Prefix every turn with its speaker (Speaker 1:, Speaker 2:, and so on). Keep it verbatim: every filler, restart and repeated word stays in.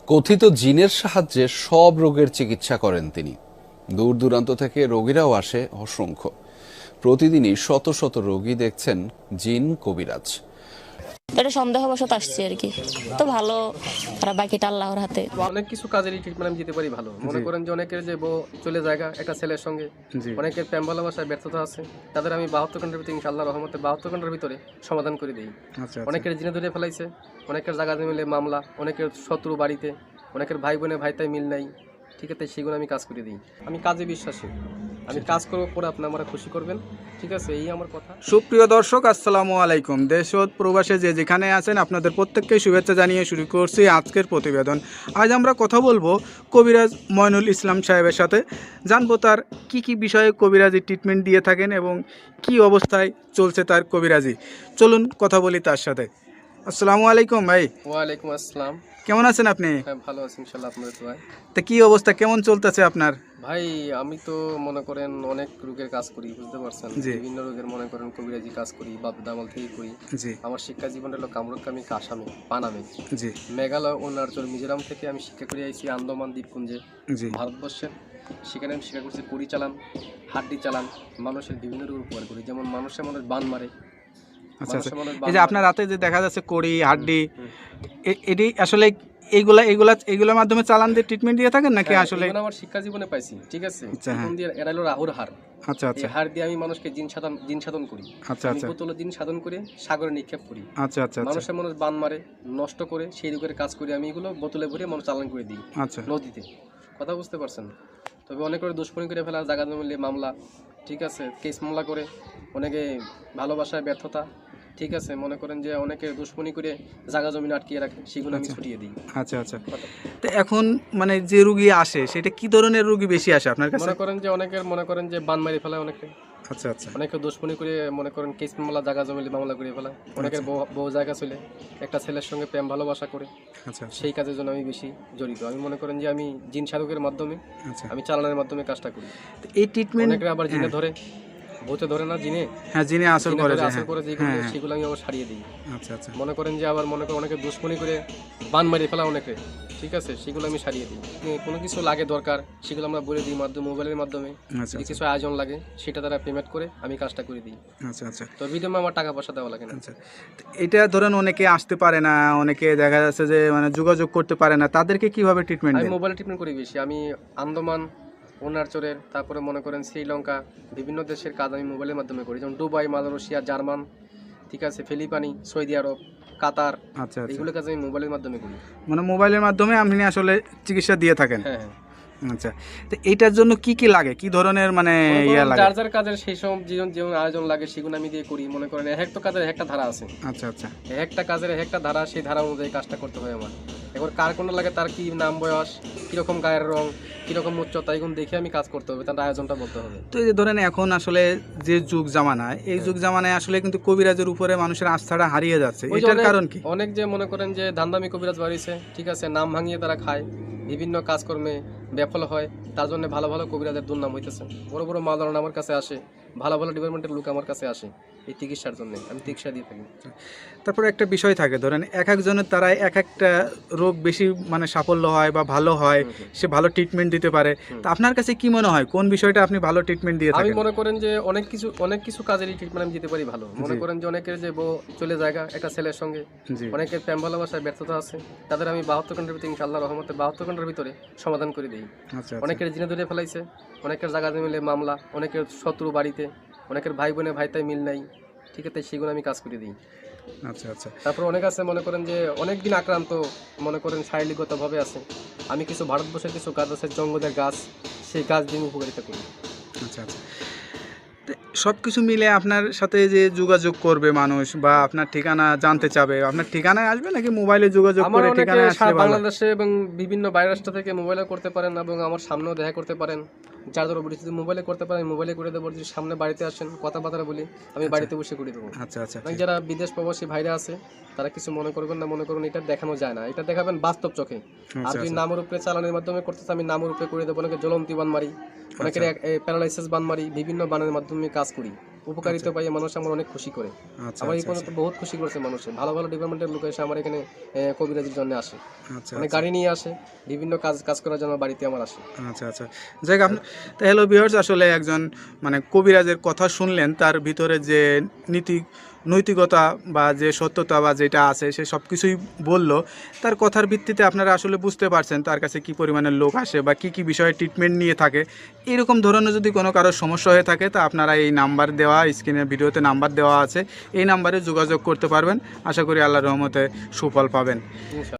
Speaker 1: কথিত জিনের সাহায্যে সব রোগের চিকিৎসা করেন তিনি। দূর দূরান্ত থেকে রোগীরাও আসে অসংখ্য। প্রতিদিনই শত শত রোগী দেখছেন জিন কবিরাজ।
Speaker 2: এটা সন্দেহবশত আসছে আর কি, তো ভালো, আর বাকিটা আল্লাহর হাতে।
Speaker 3: অনেক কিছু কাজেরই ট্রিটমেন্ট আমি দিতে পারি ভালো। মনে করেন যে অনেকের যে বউ চলে জায়গা একটা ছেলের সঙ্গে, অনেকের প্রেম ভালোবাসায় ব্যর্থতা আছে, তাদের আমি বাহাত্তর ঘন্টার ভিতরে ইনশাআল্লাহ রহমতে বাহাত্তর ঘন্টার ভিতরে সমাধান করে দিই। অনেকের জিনে ধরে ফেলাইছে, অনেকের জায়গা মিলে মামলা, অনেকের শত্রু বাড়িতে, অনেকের ভাই বোনে ভাইতাই মিল নাই, ঠিক আছে, সেগুলো আমি কাজ করে দিই। আমি কাজে বিশ্বাসী, আমি কাজ করবো পরে আপনি আমার খুশি করবেন, ঠিক আছে, এই আমার কথা।
Speaker 4: সুপ্রিয় দর্শক, আসসালামু আলাইকুম। দেশ ও প্রবাসে যে যেখানে আছেন আপনাদের প্রত্যেককে শুভেচ্ছা জানিয়ে শুরু করছি আজকের প্রতিবেদন। আজ আমরা কথা বলবো কবিরাজ ময়নুল ইসলাম সাহেবের সাথে, জানবো তার কি কি বিষয়ে কবিরাজি ট্রিটমেন্ট দিয়ে থাকেন এবং কি অবস্থায় চলছে তার কবিরাজি। চলুন কথা বলি তার সাথে। আসসালামু আলাইকুম ভাই।
Speaker 3: ওয়ালাইকুম আসসালাম।
Speaker 4: কেমন আছেন আপনি?
Speaker 3: হ্যাঁ, ভালো আছি ইনশাআল্লাহ, আপনাদের দোয়ায়।
Speaker 4: তা কি অবস্থা, কেমন চলতেছে আপনার?
Speaker 3: ভাই আমি তো মনে করেন অনেক রোগের কাজ করি, বুঝতে পারছেন, বিভিন্ন রোগের মনে করেন কবিরাজি কাজ করি, বাপ দামাল থেকে করি। আমার শিক্ষা জীবন হলো কামরুকামি কাসামে পানামে, জি, মেঘালয় অরুণাচল মিজোরাম থেকে আমি শিক্ষা করে আইছি আন্দামান দ্বীপপুঞ্জে, ভারতবর্ষের। সেখানে আমি শিক্ষা করছি কুড়ি চালান, হাড্ডি চালান, মানুষের বিভিন্ন রোগ উপকার করি, যেমন মানুষের মানুষ বান মারে।
Speaker 4: আচ্ছা আচ্ছা, এই যে আপনার রাতে যে দেখা যাচ্ছে কড়ি হাড্ডি, এটি আসলে এইগুলা এইগুলা এইগুলোর মাধ্যমে চালান দিয়ে ট্রিটমেন্ট দিয়ে থাকেন নাকি? আসলে
Speaker 3: আমার শিক্ষা জীবনে পাইছি, ঠিক আছে, এরা হলো রাহুর হার।
Speaker 4: আচ্ছা আচ্ছা,
Speaker 3: এই হার দিয়ে আমি মানুষকে জিন সাধন জিন সাধন করি। আচ্ছা আচ্ছা, বোতল জিন সাধন করে সাগরে নিক্ষেপ করি। আচ্ছা আচ্ছা, মানুষের মানুষ বান মারে, নষ্ট করে, সেই রোগের কাজ করি আমি, এগুলো বোতলে ভরে মানুষ চালান করে দিই। আচ্ছা, নদীতে, কথা বুঝতে পারছেন। তবে অনেক করে দুষ্কর্মী করে ফেলা, জায়গা মিলে মামলা, ঠিক আছে, কেস মামলা করে, অনেকে ভালোবাসায় ব্যর্থতা, ঠিক আছে, মনে করেন যে অনেকে দুশ্মনী করে জায়গা জমি আটকিয়ে রাখে, সেগুলো আমি ছুটিয়ে দিই।
Speaker 4: আচ্ছা আচ্ছা, তো এখন মানে যে রোগী আসে সেটা কি ধরনের রোগী বেশি আসে আপনার কাছে?
Speaker 3: মনে করেন যে অনেকের মনে করেন যে বান মারি ফেলায় অনেকে।
Speaker 4: আচ্ছা আচ্ছা,
Speaker 3: অনেকে দুশ্মনী করে মনে করেন কেস মামলা, জায়গা জমি মামলা করে ফেলায়। অনেকের বউ জায়গা চলে একটা ছেলের সঙ্গে প্রেম ভালোবাসা করে। আচ্ছা, সেই কাজের জন্য আমি বেশি জড়িত। আমি মনে করেন যে আমি জিন সাধকের মাধ্যমে, আমি চালানোর মাধ্যমে কাজটা করি।
Speaker 4: এই ট্রিটমেন্ট
Speaker 3: অনেকে আবার জিনে ধরে, ভূতে ধরে না, জিনে,
Speaker 4: হ্যাঁ, জিনে আসর করে,
Speaker 3: আসর করে, সেগুলো আমি আবার সারিয়ে দিই। আচ্ছা আচ্ছা, মনে করেন যে আবার মনে করেন অনেকে দুশ্মনী করে বান মারিয়ে ফেলা অনেকে, ঠিক আছে, সেগুলো আমি সারিয়ে দিই। কোনো কিছু লাগে দরকার, সেগুলো আমরা বলে দিই মাধ্যমে, মোবাইলের মাধ্যমে। কিছু আয়োজন লাগে, সেটা তারা পেমেন্ট করে আমি কাজটা করে দিই। আচ্ছা আচ্ছা, তো বিনিময়ে আমার টাকা পয়সা দেওয়া লাগে না। আচ্ছা,
Speaker 4: এটা ধরেন অনেকে আসতে পারে না, অনেকে দেখা যাচ্ছে যে মানে যোগাযোগ করতে পারে না, তাদেরকে কিভাবে ট্রিটমেন্ট?
Speaker 3: আমি মোবাইলে ট্রিটমেন্ট করি বেশি। আমি আন্দামান, অরুণাচলের, তারপরে মনে করেন শ্রীলঙ্কা, বিভিন্ন দেশের কাজ আমি মোবাইলের মাধ্যমে করি, যেমন দুবাই, মালয়েশিয়া, জার্মান, ঠিক আছে, ফিলিপাইনি, সৌদি আরব, কাতার। আচ্ছা, এগুলো কাজ আমি মোবাইলের মাধ্যমে করি।
Speaker 4: মানে মোবাইলের মাধ্যমে আপনি আসলে চিকিৎসা দিয়ে থাকেন?
Speaker 3: হ্যাঁ হ্যাঁ।
Speaker 4: আচ্ছা, তো এইটার জন্য কি কি লাগে, কি ধরনের মানে ইয়া লাগে?
Speaker 3: যার যার কাজের সেই সব জীবন জীবন আয়োজন লাগে, সেগুলো আমি দিয়ে করি। মনে করেন এক একটা কাজের একটা ধারা আছে। আচ্ছা আচ্ছা, একটা কাজের একটা ধারা, সেই ধারা অনুযায়ী কাজটা করতে হয় আমার। এবার কার কোনটা লাগে, তার কি নাম, বয়স, কিরকম গায়ের রং, কিরকম উচ্চতা, এগুলো দেখে আমি কাজ করতে হবে, তার আয়োজনটা বলতে হবে।
Speaker 4: তো এই যে ধরেন এখন আসলে যে যুগ জামানায়, এই যুগ জামানায় আসলে কিন্তু কবিরাজের উপরে মানুষের আস্থাটা হারিয়ে যাচ্ছে, এটার কারণ কি?
Speaker 3: অনেক যে মনে করেন যে ধান্দামি কবিরাজ বাড়িছে, ঠিক আছে, নাম ভাঙিয়ে তারা খায়, বিভিন্ন কাজকর্মে ব্যাফল হয়, তার জন্য ভালো ভালো কবিরাজের দুর্নাম হইতেছে। বড় বড় মালান আমার কাছে আসে, ভালো ভালো ডিপার্টমেন্টের লোক আমার কাছে আসে এই চিকিৎসার জন্য, আমি চিকিৎসা দিয়ে থাকি।
Speaker 4: তারপরে একটা বিষয় থাকে, ধরেন এক একজনের তারা এক একটা রোগ বেশি মানে সাফল্য হয় বা ভালো হয়, সে ভালো ট্রিটমেন্ট দিতে পারে। তো আপনার কাছে কি মনে হয়, কোন বিষয়টা আপনি ভালো ট্রিটমেন্ট দিয়ে থাকেন?
Speaker 3: আমি মনে করেন যে অনেক কিছু অনেক কিছু কাজেরই ট্রিটমেন্ট আমি দিতে পারি ভালো। মনে করেন যে অনেকের যে বউ চলে জায়গা একটা ছেলের সঙ্গে, অনেকের প্রেম ভালোবাসায় ব্যর্থতা আছে, তাদের আমি বাহাত্তর ঘন্টার ভিতরে ইনশাআল্লাহ রহমতে বাহাত্তর ঘন্টার ভিতরে সমাধান করে দিই। অনেকের জিনে ধরে ফেলাইছে, অনেকের জায়গা মিলে মামলা, অনেকের শত্রু বাড়িতে, অনেকের ভাই বোনে ভাইতাই মিল নাই, ঠিক আছে, সেগুলো আমি কাজ করে দিই। আচ্ছা আচ্ছা, তারপর অনেক আছে মনে করেন যে অনেক দিন আক্রান্ত, মনে করেন শারীরিকগতভাবে আছে, আমি কিছু ভারতবর্ষের কিছু গাছ আছে, জঙ্গলের গাছ, সেই গাছ দিয়ে উপকারিতা করি। আচ্ছা আচ্ছা,
Speaker 4: সব কিছু মিলে আপনার সাথে যে যোগাযোগ করবে মানুষ বা আপনার ঠিকানা জানতে চাবে, আপনার ঠিকানায় আসবে নাকি মোবাইলে যোগাযোগ করে ঠিকানায় আসলে?
Speaker 3: বাংলাদেশে এবং বিভিন্ন বাইরের রাষ্ট্র থেকে মোবাইলে করতে পারেন এবং আমার সামনেও দেখা করতে পারেন। যার ধরো বলি যদি মোবাইলে করতে পারেন, মোবাইলে করে দেবো। যদি সামনে বাড়িতে আসেন, কথাবার্তা বলি, আমি বাড়িতে বসে করে দেবো। আচ্ছা আচ্ছা, যারা বিদেশ প্রবাসী ভাইরা আছে, তারা কিছু মনে করবেন না, মনে করুন এটা দেখানো যায় না, এটা দেখাবেন বাস্তব চোখে। আর যদি নামের উপরে চালানোর মাধ্যমে করতেছে, আমি নামের উপরে করে দেবো। অনেকে জ্বলন্তি বান মারি, অনেকের প্যারালাইসিস বান মারি, বিভিন্ন বানের মাধ্যমে কাজ করি। উপকারিতা পাই, মানুষ আমার অনেক খুশি করে।
Speaker 4: আচ্ছা
Speaker 3: আমার এই
Speaker 4: আচ্ছা
Speaker 3: পর্যন্ত বহুত খুশি করেছে মানুষে, ভালো ভালো ডিপার্টমেন্টের লোক এসে আমার এখানে এ, কবিরাজির জন্য আসে,
Speaker 4: আচ্ছা
Speaker 3: অনেক গাড়ি নিয়ে আসে, বিভিন্ন কাজ কাজ করার জন্য বাড়িতে আমার আসে।
Speaker 4: আচ্ছা আচ্ছা যাই হোক, আপনি তো হ্যালো ভিউয়ার্স, আসলে একজন মানে কবিরাজের কথা শুনলেন, তার ভিতরে যে নীতি নৈতিকতা বা যে সত্যতা বা যেটা আছে সে সব কিছুই বলল। তার কথার ভিত্তিতে আপনারা আসলে বুঝতে পারছেন তার কাছে কী পরিমাণের লোক আসে বা কী কী বিষয়ে ট্রিটমেন্ট নিয়ে থাকে। এরকম ধরনের যদি কোনো কারোর সমস্যা হয়ে থাকে তা আপনারা এই নাম্বার দেওয়া, স্ক্রিনের ভিডিওতে নাম্বার দেওয়া আছে, এই নাম্বারে যোগাযোগ করতে পারবেন। আশা করি আল্লাহর রহমতে সুফল পাবেন।
Speaker 3: ইনশাআল্লাহ।